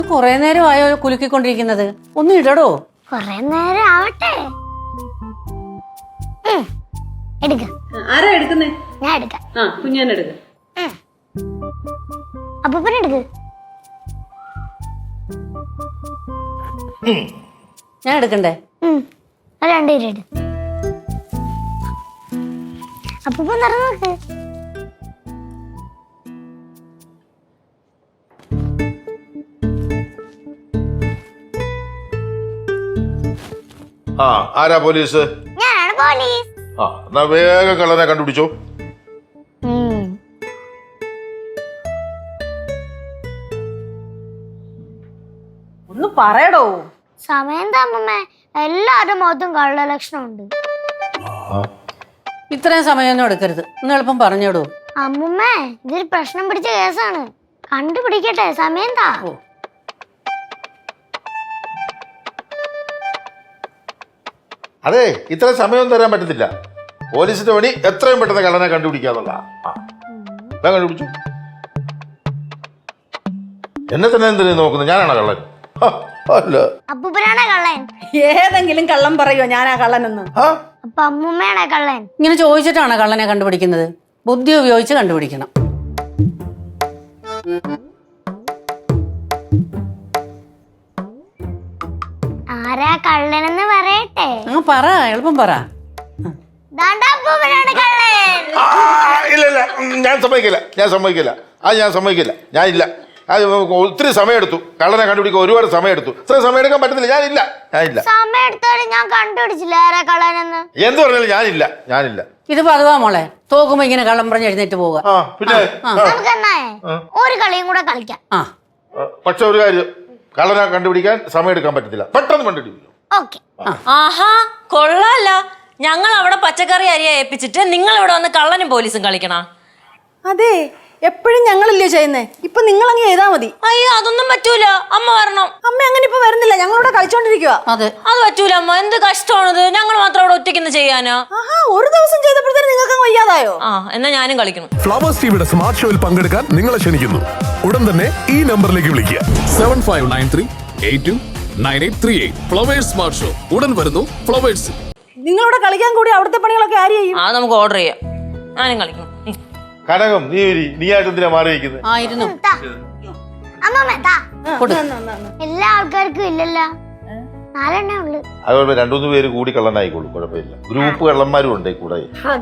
കൊറേ നേരമായോ കുലുക്കിക്കൊണ്ടിരിക്കുന്നത്? ഒന്ന് ഇടടോ. കൊറേ നേരം ആവട്ടെ. എടുക്ക. ആരാ എടുക്കുന്നേ? ഞാൻ എടുക്കാം. കുഞ്ഞാനെടുക്ക. അപ്പൂപ്പൻ എടുക്ക്. ഞാൻ എടുക്കണ്ടേ? രണ്ടുപേരും എടു. അപ്പൂപ്പൻ നിറഞ്ഞു നോക്ക്. ആരാ പോലീസ്? ഞാനാണ് പോലീസ്. എന്നാ വേഗം കള്ളനെ കണ്ടുപിടിച്ചോ. ഒന്ന് പറയടോ. സമയം താമമ്മേ, എല്ലാവരുടെ മുഖത്തും കള്ള ലക്ഷണം ഉണ്ട്. ഇത്രയും സമയമൊന്നും എടുക്കരുത്, ഒന്ന് എളുപ്പം പറഞ്ഞോടൂ. അമ്മുമ്മേ, ഇതൊരു പ്രശ്നം പിടിച്ച കേസാണ്. കണ്ടുപിടിക്കട്ടെ, സമയം താ. അതെ, ഇത്ര സമയം തരാൻ പറ്റത്തില്ല. പോലീസിന്റെ പണി എത്രയും പെട്ടെന്ന് കള്ളനെ കണ്ടുപിടിക്കാന്നുള്ള. കണ്ടുപിടിച്ചു. എന്നെ തന്നെ എന്തിനാ നോക്കുന്നത്? ഞാനാണോ കള്ളൻ? അല്ല, അപ്പൂപ്പനാണേ കള്ളൻ. ഏതെങ്കിലും കള്ളം പറയോ ഞാനാ കള്ളനെന്ന്? അപ്പൊ അമ്മുമ്മയാണേ കള്ളൻ. ഇങ്ങനെ ചോദിച്ചിട്ടാണ് കള്ളനെ കണ്ടുപിടിക്കുന്നത്. ബുദ്ധി ഉപയോഗിച്ച് കണ്ടുപിടിക്കണം. ആരാ കള്ളനെന്ന് പറയട്ടെ? പറ, എളുപ്പം പറ. ദാണ്ടാ അപ്പൂപ്പനാണ് കള്ളൻ. ഇല്ല ഇല്ല, ഞാൻ സമ്മതിക്കില്ല. ഞാൻ സമ്മതിക്കില്ല. ഞാനില്ല. അത് ഒത്തിരി സമയമെടുത്തു കള്ളനെ കണ്ടുപിടിക്കാൻ. ഒരുപാട് സമയമെടുത്തു. ഇത്ര സമയം എടുക്കാൻ പറ്റത്തില്ല. ഞാനില്ല. സമയം എടുത്താലും ഞാൻ കണ്ടുപിടിച്ചില്ല ആരാ കള്ളനെന്ന്. എന്ത് പറഞ്ഞാലും ഞാനില്ല. ഇത് പതുവാ മോളെ, തോക്കുമ്പോ ഇങ്ങനെ കള്ളം പറഞ്ഞ് എഴുന്നേറ്റ് പോവുക. പിന്നെ നമുക്ക് എന്നാ ഒരു കളിയും കൂടെ കളിക്കാം. പക്ഷെ ഒരു കാര്യം, കള്ളനെ കണ്ടുപിടിക്കാൻ സമയം എടുക്കാൻ പറ്റത്തില്ല. പെട്ടെന്ന് കണ്ടുപിടിക്കും. ഓക്കെ. ആഹാ, കൊള്ളാല്ല. ഞങ്ങൾ അവിടെ പച്ചക്കറി അരിയാ ഏൽപ്പിച്ചിട്ട് നിങ്ങൾ ഇവിടെ വന്ന് കള്ളനും പോലീസും കളിക്കണ? അതെ, എപ്പോഴും ഞങ്ങളില്ലേ ചെയ്യുന്നേ. ഇപ്പൊ നിങ്ങൾ അങ്ങ് ചെയ്താ മതി. അയ്യോ, അതൊന്നും പറ്റൂല. അമ്മ വരണം. അമ്മ അങ്ങനെ ഇപ്പൊ വരുന്നില്ല, ഞങ്ങളിവിടെ കളിച്ചോണ്ടിരിക്കുക. അതെ, അത് പറ്റൂല അമ്മ. എന്ത് കഷ്ടമാണിത്. ഞങ്ങൾ മാത്രം അവിടെ ഒറ്റയ്ക്ക് ചെയ്യാനാ? ഒരു ദിവസം ചെയ്തപ്പോഴത്തേനും നിങ്ങൾക്ക് അങ്ങ് വയ്യാതായോ? എന്നാ ഞാനും കളിക്കണം. ഫ്ലവേഴ്സ് ടിവിയുടെ സ്മാർട്ട് ഷോയിൽ പങ്കെടുക്കാൻ നിങ്ങളെ ക്ഷണിക്കുന്നു. ഉടൻ തന്നെ ഈ നമ്പറിലേക്ക് വിളിക്കുക. 7593829838. ഫ്ലവേഴ്സ് സ്മാർട്ട് ഷോ ഉടൻ വരുന്നു ഫ്ലവേഴ്സ്. നിങ്ങളിവിടെ കളിക്കാൻ കൂടി അവിടുത്തെ പണികളൊക്കെ ആര് ചെയ്യും? നമുക്ക് ഓർഡർ ചെയ്യാം. ഞാനും കളിക്കണം. കനകം, നീയായിട്ട് എന്തിനാ മാറിയിരിക്കുന്നത്? ആയിരുന്നു. അമ്മമ്മ താ. എല്ലാ ആൾക്കാർക്കും ഇല്ലല്ലോ, 4 എണ്ണേ ഉള്ളു. അതുകൊണ്ട് 2-3 പേര് കൂടി കള്ളനായിക്കോളൂ, കുഴപ്പമില്ല. ഗ്രൂപ്പ് കള്ളന്മാരും ഉണ്ട് കൂടെ.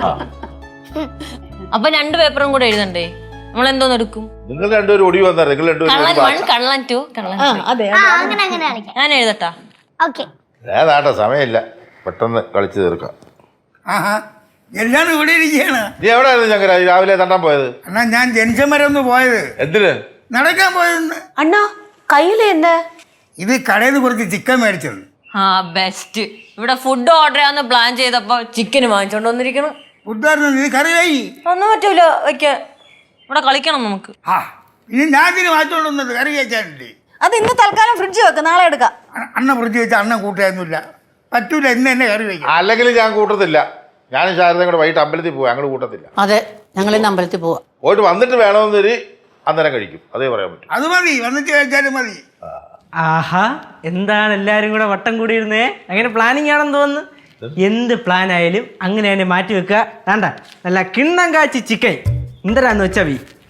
അപ്പൊ 2 പേപ്പറും കൂടെ എഴുതണ്ടേ? നമ്മൾ എന്തോന്ന് എടുക്കും? നിങ്ങൾ രണ്ടുപേരും ഒടി വന്നാൽ നിങ്ങൾ രണ്ടുപേരും കള്ളൻ 2 കള്ളൻ 3. അതെ, അങ്ങനെ കളിക്കാം. ഞാൻ എഴുതട്ടാ? ഓക്കെ. ഏതാട്ടെ, സമയമില്ല. പെട്ടെന്ന് കളിച്ചു തീർക്കാം. എല്ലാരും ഇവിടെ ഇരിക്കുകയാണ്. നീ എവിടെയായിരുന്നു ഞങ്ങൾ രാവിലെ തണ്ടാൻ പോയത്? അണ്ണാ, ഞാൻ ജംഗ്ഷൻ വരെ ഒന്ന് പോയത്. എന്തിന്? നടക്കാൻ പോയതെന്ന്. അണ്ണാ, കയ്യില് എന്താ? ഇത് കടയിൽ നിന്ന് കുറച്ച് ചിക്കൻ മേടിച്ചത്. ബെസ്റ്റ്. ഇവിടെ ഫുഡ് ഓർഡർ ചെയ്യാന്ന് പ്ലാൻ ചെയ്തപ്പോ ചിക്കൻ വാങ്ങിച്ചോണ്ട് വന്നിരിക്കണം. ഫുഡായിരുന്നു. ഇത് കറിയായി. ഒന്നും പറ്റൂല വെക്കാൻ. ഇവിടെ കളിക്കണം നമുക്ക്. ഇനി ഞാൻ ഇതിന് മാറ്റോണ്ട് വന്നത് കറി കഴിച്ചാനില്ലേ. അത് ഇന്ന് തൽക്കാലം ഫ്രിഡ്ജ് വെക്ക്, നാളെ എടുക്കാം. അണ്ണ ഫ്രിഡ്ജ് വെച്ചാൽ അണ്ണൻ കൂട്ടായൊന്നുമില്ല. പറ്റൂല, ഇന്ന് എന്നെ കറി വയ്ക്കാം. അല്ലെങ്കിൽ ഞാൻ കൂട്ടത്തില്ല. ഞാനും ശാരദയും കൂടെ വൈകിട്ട് അമ്പലത്തിൽ പോവാ. ഞങ്ങൾ കൂട്ടത്തില്ല. അതെ, ഞങ്ങൾ ഇന്ന് അമ്പലത്തിൽ പോവാ. പോയിട്ട് വന്നിട്ട് വേണമെന്നൊരു അന്നേരം കഴിക്കും. അതേ പറയാൻ പറ്റും. അത് മതി, വന്നിട്ട് കഴിച്ചാലും മതി. ആഹാ, എന്താണ് എല്ലാരും കൂടെ വട്ടം കൂടിയിരുന്നേ? അങ്ങനെ പ്ലാനിങ് ആണെന്ന് തോന്നുന്നു. എന്ത് പ്ലാൻ ആയാലും അങ്ങനെ തന്നെ മാറ്റി വെക്കുക. വേണ്ട, നല്ല കിണ്ണം കാച്ചി ചിക്കൻ എന്തരാന്ന് വെച്ചാ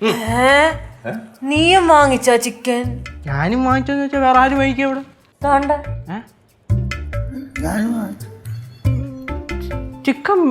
നീയും വാങ്ങിച്ച ചിക്കൻ? ഞാനും വാങ്ങിച്ചോന്ന് വെച്ചാൽ വേറെ ആരും വാങ്ങിക്കാം ഇവിടെ. ചിക്കൻ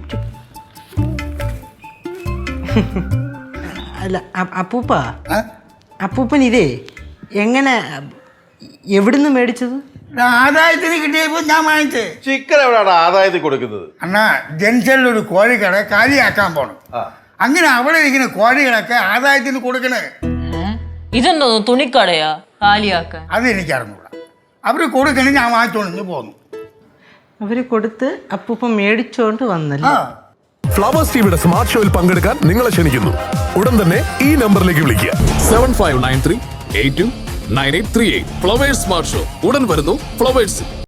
അല്ല അപ്പൂപ്പൻ ഇതേ എങ്ങനെ എവിടുന്ന് മേടിച്ചത്? ആദായത്തിന് കിട്ടിയപ്പോ ഞാൻ വാങ്ങിച്ചേ. ചിക്കൻ എവിടെയാണ് ആദായത്തിൽ കൊടുക്കുന്നത്? അണ്ണാ, ജംഗ്ഷനിൽ ഒരു കോഴിക്കട കാലിയാക്കാൻ പോണം. അങ്ങനെ അവിടെ ഇരിക്കുന്ന കോഴികളൊക്കെ ആദായത്തിന് കൊടുക്കണേ. ഇതെന്തോ തുണിക്കടയാ കാലിയാക്കാൻ? അതെനിക്കറിഞ്ഞൂടാ. അവര് കൊടുക്കണേ, ഞാൻ വാങ്ങിച്ചോണ്ട് പോന്നു. അവര് കൊടുത്ത് അപ്പൂപ്പൻ മേടിച്ചോണ്ട് വന്നല്ലോ. ഫ്ലവേഴ്സ് ടിവിയുടെ സ്മാർട്ട് ഷോയിൽ പങ്കെടുക്കാൻ നിങ്ങളെ ക്ഷണിക്കുന്നു. ഉടൻ തന്നെ ഈ നമ്പറിലേക്ക് വിളിക്കുക. 7593829838. ഫ്ലവേഴ്സ് സ്മാർട്ട് ഷോ ഉടൻ വരുന്നു ഫ്ലവേഴ്സ്.